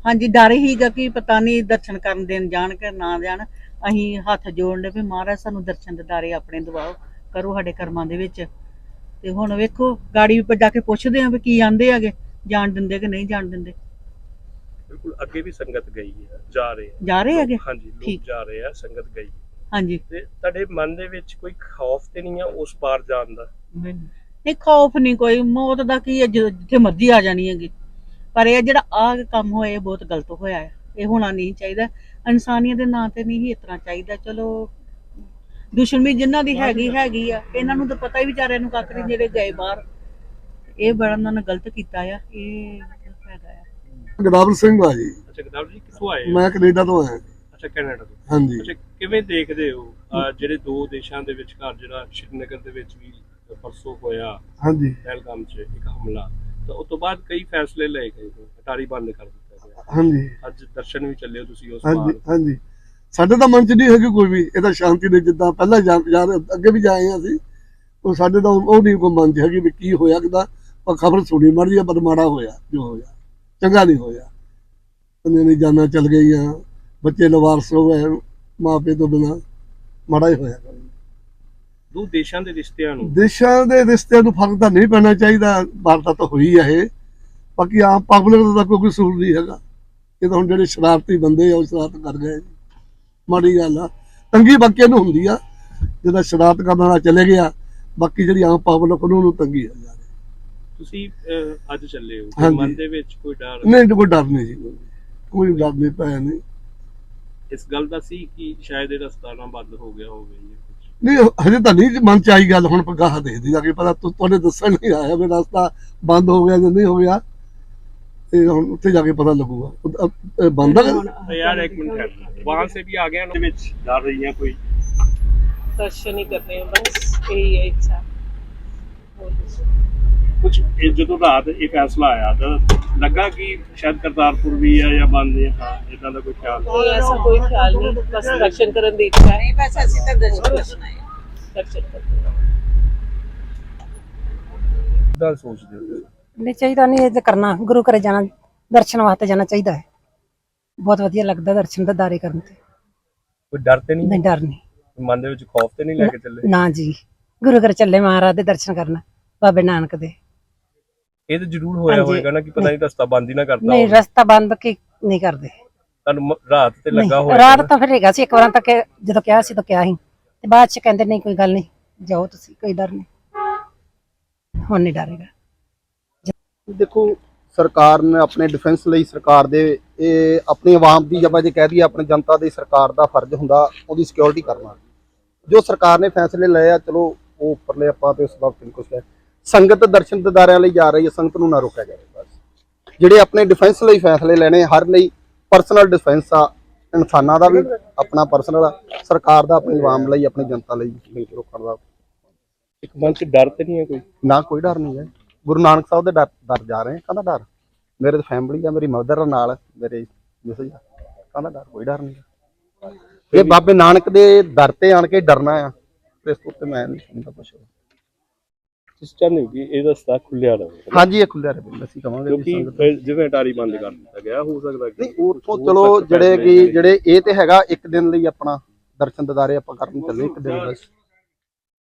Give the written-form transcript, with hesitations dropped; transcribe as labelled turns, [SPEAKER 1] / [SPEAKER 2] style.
[SPEAKER 1] ਹਾਂਜੀ ਡਰ ਹੀਗਾ ਕਿ ਪਤਾ ਨਹੀਂ ਦਰਸ਼ਨ ਕਰਨ ਦੇਣ ਜਾਣ ਕਿ ਨਾ ਜਾਣ। ਅਸੀਂ ਹੱਥ ਜੋੜਨੇ ਵੀ ਮਹਾਰਾਜ ਸਾਨੂੰ ਦਰਸ਼ਨ ਦਿਦਾਰੇ ਆਪਣੇ ਦਿਵਾਓ, ਕਰੋ ਸਾਡੇ ਕਰਮਾਂ ਦੇ ਵਿੱਚ। ਤੇ ਹੁਣ ਵੇਖੋ ਗਾੜੀ ਉੱਪਰ ਜਾ ਕੇ ਪੁੱਛਦੇ ਆ ਵੀ ਕੀ ਆਂਦੇ ਹੈਗੇ, ਜਾਣ ਦਿੰਦੇ ਕਿ ਨਹੀਂ ਜਾਣ ਦਿੰਦੇ।
[SPEAKER 2] ਬਿਲਕੁਲ ਅੱਗੇ ਵੀ ਸੰਗਤ ਗਈ ਹੈ, ਜਾ
[SPEAKER 1] ਰਹੇ ਹੈਗੇ।
[SPEAKER 2] ਹਾਂਜੀ ਲੋਕ ਜਾ ਰਹੇ ਆ, ਸੰਗਤ ਗਈ।
[SPEAKER 1] ਹਾਂਜੀ
[SPEAKER 2] ਤੇ ਤੁਹਾਡੇ ਮਨ ਦੇ ਵਿੱਚ ਕੋਈ ਖੌਫ ਤੇ ਨਹੀਂ ਆ ਉਸ ਪਾਰ ਜਾਣ ਦਾ?
[SPEAKER 1] ਨਹੀਂ ਖੌਫ ਨਹੀਂ ਕੋਈ, ਮੌਤ ਦਾ ਕੀ ਹੈ, ਜਿੱਥੇ ਮਰਜ਼ੀ ਆ ਜਾਣੀ ਹੈਗੀ। ਪਰ ਇਹ ਜਿਹੜਾ ਆਹ ਕੰਮ ਹੋਇਆ ਇਹ ਬਹੁਤ ਗਲਤ ਹੋਇਆ ਹੈ, ਇਹ ਹੋਣਾ ਨਹੀਂ ਚਾਹੀਦਾ। ਇਨਸਾਨੀਅਤ ਦੇ ਨਾਂ ਤੇ ਨਹੀਂ ਇਸ ਤਰ੍ਹਾਂ ਚਾਹੀਦਾ। ਚਲੋ ਦੁਸ਼ਮਣੀ ਜਿਨ੍ਹਾਂ ਦੀ ਹੈਗੀ ਆ, ਇਹਨਾਂ ਨੂੰ ਤਾਂ ਪਤਾ ਹੀ ਵਿਚਾਰਿਆਂ ਨੂੰ ਕੱਖ ਨਹੀਂ, ਜਿਹੜੇ ਗਏ ਬਾਹਰ। ਇਹ ਬੜਾ ਉਹਨਾਂ ਨੇ ਗਲਤ ਕੀਤਾ ਆ, ਇਹ ਹੈਗਾ ਆ।
[SPEAKER 3] ਗਦਾਵਰ ਸਿੰਘ ਆ ਜੀ।
[SPEAKER 2] ਅੱਛਾ ਗਦਾਵਰ ਜੀ ਕਿੱਥੋਂ ਆਏ?
[SPEAKER 3] ਮੈਂ ਕੈਨੇਡਾ ਤੋਂ ਆਇਆ।
[SPEAKER 2] ਅੱਛਾ ਕੈਨੇਡਾ ਤੋਂ।
[SPEAKER 3] ਹਾਂਜੀ।
[SPEAKER 2] ਅੱਛਾ ਕਿਵੇਂ ਦੇਖਦੇ ਹੋ ਜਿਹੜੇ ਦੋ ਦੇਸ਼ਾਂ ਦੇ ਵਿਚਕਾਰ ਜਿਹੜਾ ਸ਼੍ਰੀਨਗਰ ਦੇ ਵਿੱਚ ਵੀ ਪਰਸੋਂ ਹੋਇਆ
[SPEAKER 3] ਹਾਂਜੀ
[SPEAKER 2] ਪਹਿਲਗਾਮ 'ਚ ਇੱਕ ਹਮਲਾ, ਤਾਂ ਉਸ ਤੋਂ ਬਾਅਦ ਕਈ ਫੈਸਲੇ ਲਏ ਗਏ, ਅਟਾਰੀ ਬੰਦ ਕਰ ਦਿੱਤਾ ਗਿਆ।
[SPEAKER 3] ਹਾਂਜੀ
[SPEAKER 2] ਅੱਜ ਦਰਸ਼ਨ ਵੀ ਚੱਲੇ ਹੋ ਤੁਸੀਂ ਉਸ
[SPEAKER 3] ਹਾਂਜੀ
[SPEAKER 2] ਪਾਰ।
[SPEAKER 3] ਹਾਂਜੀ ਸਾਡੇ ਤਾਂ ਮਨ 'ਚ ਨਹੀਂ ਹੈਗੀ ਕੋਈ ਵੀ, ਇਹ ਤਾਂ ਸ਼ਾਂਤੀ ਦੇ ਜਿੱਦਾਂ ਪਹਿਲਾਂ ਜਾ ਅੱਗੇ ਵੀ ਜਾਏ ਆ ਅਸੀਂ, ਉਹ ਸਾਡੇ ਤਾਂ ਉਹ ਨਹੀਂ ਕੋਈ ਮਨ 'ਚ ਹੈਗੀ ਵੀ ਕੀ ਹੋਇਆ ਕਿਦਾਂ। ਪਰ ਖਬਰ ਸੁਣੀ ਮਾੜੀ ਆ, ਪਰ ਮਾੜਾ ਹੋਇਆ ਜੋ ਹੋਇਆ, ਚੰਗਾ ਨਹੀਂ ਹੋਇਆ। ਬੰਦੇ ਨੇ ਜਾਨਾਂ ਚੱਲ ਗਈਆਂ, ਬੱਚੇ ਲਵਾਰਸ ਹੋ ਗਏ ਮਾਂ ਪਿਓ ਤੋਂ ਬਿਨਾਂ, ਮਾੜਾ ਹੀ ਹੋਇਆ।
[SPEAKER 2] ਦੋ ਦੇਸ਼ਾਂ ਦੇ ਰਿਸ਼ਤਿਆਂ ਨੂੰ
[SPEAKER 3] ਫਰਕ ਤਾਂ ਨਹੀਂ ਪੈਣਾ ਚਾਹੀਦਾ, ਵਾਰਦਾਤ ਤਾਂ ਹੋਈ ਹੈ ਇਹ। ਬਾਕੀ ਆਮ ਪਬਲਿਕ ਦਾ ਕੋਈ ਕਸੂਰ ਨਹੀਂ ਹੈਗਾ, ਇਹ ਤਾਂ ਹੁਣ ਜਿਹੜੇ ਸ਼ਰਾਰਤੀ ਬੰਦੇ ਆ ਉਹ ਸ਼ਰਾਰਤ ਕਰ ਗਏ, ਮਾੜੀ ਗੱਲ ਆ। ਤੰਗੀ ਬਾਕੀਆਂ ਨੂੰ ਹੁੰਦੀ ਆ, ਜਿਹਦਾ ਸ਼ਰਾਰਤ ਕਰਨ ਵਾਲਾ ਚਲੇ ਗਿਆ, ਬਾਕੀ ਜਿਹੜੀ ਆਮ ਪਬਲਿਕ ਉਹਨੂੰ ਤੰਗੀ ਆ।
[SPEAKER 2] ਤੁਸੀਂ ਅੱਜ ਚੱਲੇ ਹੋ, ਮਨ ਦੇ ਵਿੱਚ ਕੋਈ ਡਰ
[SPEAKER 3] ਨਹੀਂ? ਕੋਈ ਡਰ ਨਹੀਂ ਜੀ, ਕੋਈ ਡਰ ਨਹੀਂ ਪਿਆ। ਨਹੀਂ
[SPEAKER 2] ਇਸ ਗੱਲ ਦਾ ਸੀ ਕਿ ਸ਼ਾਇਦ ਇਹ ਰਸਤਾ ਨਾ ਬੰਦ ਹੋ ਗਿਆ ਹੋਵੇ ਜਾਂ ਕੁਝ?
[SPEAKER 3] ਨਹੀਂ ਹਜੇ ਤਾਂ ਨਹੀਂ ਮਨ ਚ ਆਈ ਗੱਲ, ਹੁਣ ਗਾਹ ਦੇਖਦੀ ਜਾ ਕੇ ਪਤਾ। ਤੁਹਾਡੇ ਦੱਸਣ ਨਹੀਂ ਆਇਆ ਵੀ ਰਸਤਾ ਬੰਦ ਹੋ ਗਿਆ ਜਾਂ ਨਹੀਂ ਹੋ ਗਿਆ, ਤੇ ਹੁਣ ਉੱਥੇ ਜਾ ਕੇ ਪਤਾ ਲੱਗੂਗਾ। ਬੰਦ
[SPEAKER 2] ਯਾਰ ਇੱਕ ਮਿੰਟ, ਵਹਾਂ ਸੇ ਵੀ ਆ ਗਿਆ ਨਾ ਵਿੱਚ ਡਰ ਰਹੀਆਂ ਕੋਈ?
[SPEAKER 4] दर्शन ही करने हैं बस, यही है इच्छा।
[SPEAKER 2] ਕੁਝ ਜਦੋਂ ਰਾਤ ਇਹ ਫੈਸਲਾ ਆਇਆ ਤਾਂ ਲੱਗਾ ਕਿ ਸ਼ਾਇਦ ਕਰਤਾਰਪੁਰ ਵੀ ਹੈ ਜਾਂ ਬੰਦ ਹੈ, ਇਦਾਂ ਦਾ ਕੋਈ ਖਿਆਲ?
[SPEAKER 4] नहीं ऐसा कोई ख्याल नहीं, बस दर्शन करने की इच्छा है। बस ऐसे तक दर्शन करते
[SPEAKER 2] ਕਿੱਦਾਂ ਸੋਚਦੇ ਹੋ?
[SPEAKER 5] ਨਹੀਂ ਚਾਹੀਦਾ, ਨਹੀਂ ਇਹ ਤਾਂ ਕਰਨਾ, ਗੁਰੂ ਘਰੇ ਜਾਣਾ, ਦਰਸ਼ਨ ਵਾਸਤੇ ਜਾਣਾ ਚਾਹੀਦਾ ਹੈ। ਬਹੁਤ ਵਧੀਆ ਲੱਗਦਾ ਦਰਸ਼ਨ ਦਿਦਾਰੇ ਕਰਨ ਤੇ।
[SPEAKER 2] ਕੋਈ ਡਰ ਤੇ ਨਹੀਂ?
[SPEAKER 5] ਨਹੀਂ ਡਰ ਨਹੀਂ,
[SPEAKER 2] ਮਨ ਦੇ ਵਿੱਚ ਖੌਫ ਤੇ ਨਹੀਂ ਲੈ ਕੇ ਚੱਲੇ?
[SPEAKER 5] ਨਾ ਜੀ, ਗੁਰੂ ਘਰ ਚੱਲੇ ਮਹਾਰਾਜ ਦੇ ਦਰਸ਼ਨ ਕਰਨ, ਬਾਬੇ ਨਾਨਕ ਦੇ।
[SPEAKER 2] ਇਹ ਤਾਂ ਜ਼ਰੂਰ ਹੋਇਆ ਹੋਏਗਾ ਨਾ ਕਿ ਪਤਾ ਨਹੀਂ ਰਸਤਾ ਬੰਦ ਹੀ ਨਾ ਕਰਤਾ
[SPEAKER 5] ਨਹੀਂ ਰਸਤਾ ਬੰਦ ਕੀ ਨਹੀਂ ਕਰਦੇ।
[SPEAKER 2] ਤੁਹਾਨੂੰ ਰਾਤ ਤੇ ਲੱਗਾ ਹੋਇਆ?
[SPEAKER 5] ਰਾਤ ਤਾਂ ਫਿਰ ਹੈਗਾ ਸੀ, ਇੱਕ ਵਾਰ ਤੱਕ ਜਦੋਂ ਕਿਹਾ ਸੀ ਤਾਂ ਕਿਹਾ ਸੀ, ਤੇ ਬਾਅਦ ਚ ਕਹਿੰਦੇ ਨਹੀਂ ਕੋਈ ਗੱਲ ਨਹੀਂ, ਜਾਓ ਤੁਸੀਂ, ਕੋਈ ਡਰ ਨਹੀਂ, ਹੁਣ ਨਹੀਂ ਡਰੇਗਾ।
[SPEAKER 6] ਦੇਖੋ ਸਰਕਾਰ ਨੇ ਆਪਣੇ ਡਿਫੈਂਸ ਲਈ, ਸਰਕਾਰ ਦੇ ਇਹ ਆਪਣੀ ਆਵਾਮ ਦੀ, ਜਬ ਜੇ ਕਹਿ ਦਈਏ ਆਪਣੀ ਜਨਤਾ ਦੀ, ਸਰਕਾਰ ਦਾ ਫਰਜ਼ ਹੁੰਦਾ ਉਹਦੀ ਸਿਕਿਉਰਿਟੀ ਕਰਨਾ। ਜੋ ਸਰਕਾਰ ਨੇ ਫੈਸਲੇ ਲਏ ਆ, ਚਲੋ ਉਹ ਉੱਪਰਲੇ ਆਪਾਂ ਤੇ ਉਸ ਬਾਬਤ ਕੁਝ ਹੈ। ਸੰਗਤ ਦਰਸ਼ਨ ਦਿਦਾਰਿਆਂ ਲਈ ਜਾ ਰਹੀ ਹੈ, ਸੰਗਤ ਨੂੰ ਨਾ ਰੋਕਿਆ ਜਾਵੇ। ਬਸ ਜਿਹੜੇ ਆਪਣੇ ਡਿਫੈਂਸ ਲਈ ਫੈਸਲੇ ਲੈਣੇ, ਹਰ ਲਈ ਪਰਸਨਲ ਡਿਫੈਂਸ ਆ, ਇਨਸਾਨਾਂ ਦਾ ਵੀ ਆਪਣਾ ਪਰਸਨਲ ਆ, ਸਰਕਾਰ ਦਾ ਆਪਣੀ ਆਵਾਮ ਲਈ, ਆਪਣੀ ਜਨਤਾ ਲਈ ਮਿਲ ਕੇ ਰੋਕਣ ਦਾ।
[SPEAKER 2] ਇੱਕ ਮਨ 'ਚ ਡਰ ਤੇ ਨਹੀਂ ਹੈ ਕੋਈ?
[SPEAKER 6] ਨਾ ਕੋਈ ਡਰ ਨਹੀਂ ਹੈ, ਗੁਰੂ ਨਾਨਕ ਸਾਹਿਬ ਦੇ ਡਰ ਜਾ ਰਹੇ, ਕਾਹਦਾ ਡਰ? ਮੇਰੇ ਫੈਮਿਲੀ ਆ, ਮੇਰੀ ਮਦਰ ਨਾਲ, ਮੇਰੇ ਮਿਸਿਸ ਆ, ਕਾਹਦਾ ਡਰ? ਕੋਈ ਡਰ ਨਹੀਂ। ਇਹ ਬਾਬੇ ਨਾਨਕ ਦੇ ਦਰ ਤੇ ਆਣ ਕੇ ਡਰਨਾ ਆ, ਇਸ ਤੋਂ ਉੱਤੇ ਮੈਂ ਨਹੀਂ ਸਮਝਦਾ ਕੁਛ।
[SPEAKER 2] ਇਸ ਚਾਹੁੰਦੇ ਹੋ ਕਿ ਇਹ ਰਸਤਾ ਖੁੱਲਿਆ ਰਹੇ?
[SPEAKER 6] ਹਾਂਜੀ ਇਹ ਖੁੱਲਿਆ ਰਹੇ, ਅਸੀਂ ਕਹਾਂਗੇ।
[SPEAKER 2] ਕਿਉਂਕਿ ਜਿਵੇਂ ਅਟਾਰੀ ਬੰਦ ਕਰ ਦਿੱਤਾ ਗਿਆ, ਹੋ ਸਕਦਾ ਕਿ
[SPEAKER 6] ਨਹੀਂ ਉੱਥੋਂ ਚਲੋ ਜਿਹੜੇ ਇਹ ਤੇ ਹੈਗਾ ਇੱਕ ਦਿਨ ਲਈ ਆਪਣਾ ਦਰਸ਼ਨ ਦਿਦਾਰੇ ਆਪਾਂ ਕਰਨ ਚੱਲੇ, ਇੱਕ ਦਿਨ ਬਸ।